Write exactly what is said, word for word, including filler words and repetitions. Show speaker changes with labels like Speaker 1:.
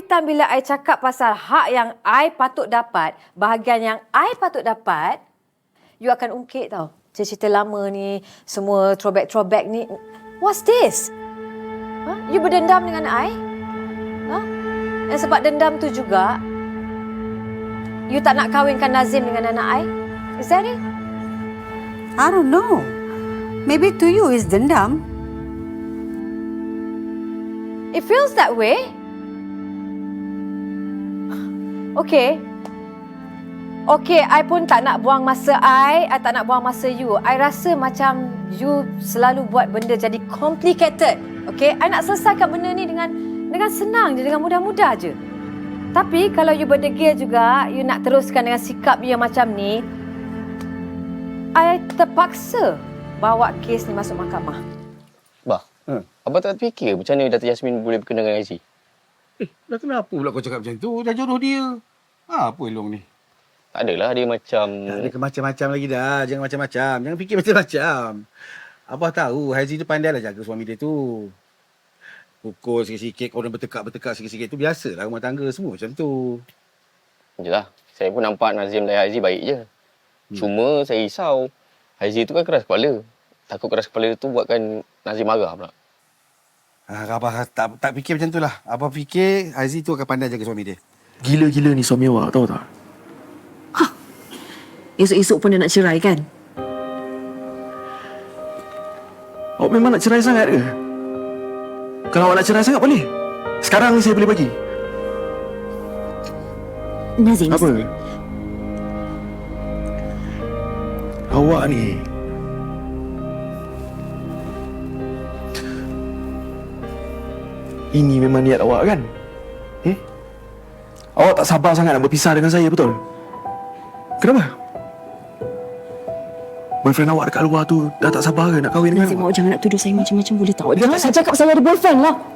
Speaker 1: time bila I cakap pasal hak yang I patut dapat, bahagian yang I patut dapat, you akan ungkit tau. Cerita-cerita lama ni, semua throwback-throwback ni. What's this? Huh? You berdendam dengan I? Huh? Dan sebab dendam tu juga, you tak nak kahwinkan Nazim dengan anak I? Is that it?
Speaker 2: I don't know. Maybe to you is dendam.
Speaker 1: It feels that way. Okay. Okay, I pun tak nak buang masa I, I tak nak buang masa you. I rasa macam you selalu buat benda jadi complicated. Okay, I nak selesaikan benda ni dengan dengan senang je, dengan mudah-mudah je. Tapi kalau you berdegil juga, you nak teruskan dengan sikap you yang macam ni, I terpaksa bawa kes ni masuk mahkamah.
Speaker 3: Bah, hmm. Abang tak fikir macam mana Dato' Yasmin boleh berkenaan dengan Aziz?
Speaker 4: Eh, dah kenapa pula kau cakap macam tu? Dah jodoh dia. Ha, apa elong ni?
Speaker 3: Tak adalah dia macam...
Speaker 4: Tak ada macam-macam lagi dah. Jangan macam-macam. Jangan fikir macam-macam. Abah tahu Haizi tu pandai lah jaga suami dia tu. Pukul sikit-sikit, orang bertekak-bertekak sikit-sikit. Tu biasalah rumah tangga semua macam tu.
Speaker 3: Yelah, saya pun nampak Nazim dan Haizi baik je. Hmm. Cuma saya risau. Haizi tu kan keras kepala. Takut keras kepala tu buatkan Nazim marah pula.
Speaker 4: Ha, Abah tak, tak fikir macam tu lah. Abah fikir Haizi tu akan pandai jaga suami dia.
Speaker 5: Gila-gila ni suami awak, tahu tak?
Speaker 6: Hah. Esok-esok pun dia nak cerai kan?
Speaker 5: Awak memang nak cerai sangat ke? Kalau awak nak cerai sangat boleh. Sekarang ni saya boleh bagi.
Speaker 6: Nazim.
Speaker 5: Apa? Awak ni... Ini memang niat awak kan? Hmm? Awak tak sabar sangat nak berpisah dengan saya, betul? Kenapa? Boyfriend awak dekat luar tu dah tak sabar ke nak kahwin dengan
Speaker 6: Nazim,
Speaker 5: awak?
Speaker 6: awak jangan nak tuduh saya macam-macam boleh tak? Awak jangan saya cakap saya ada boyfriend lah.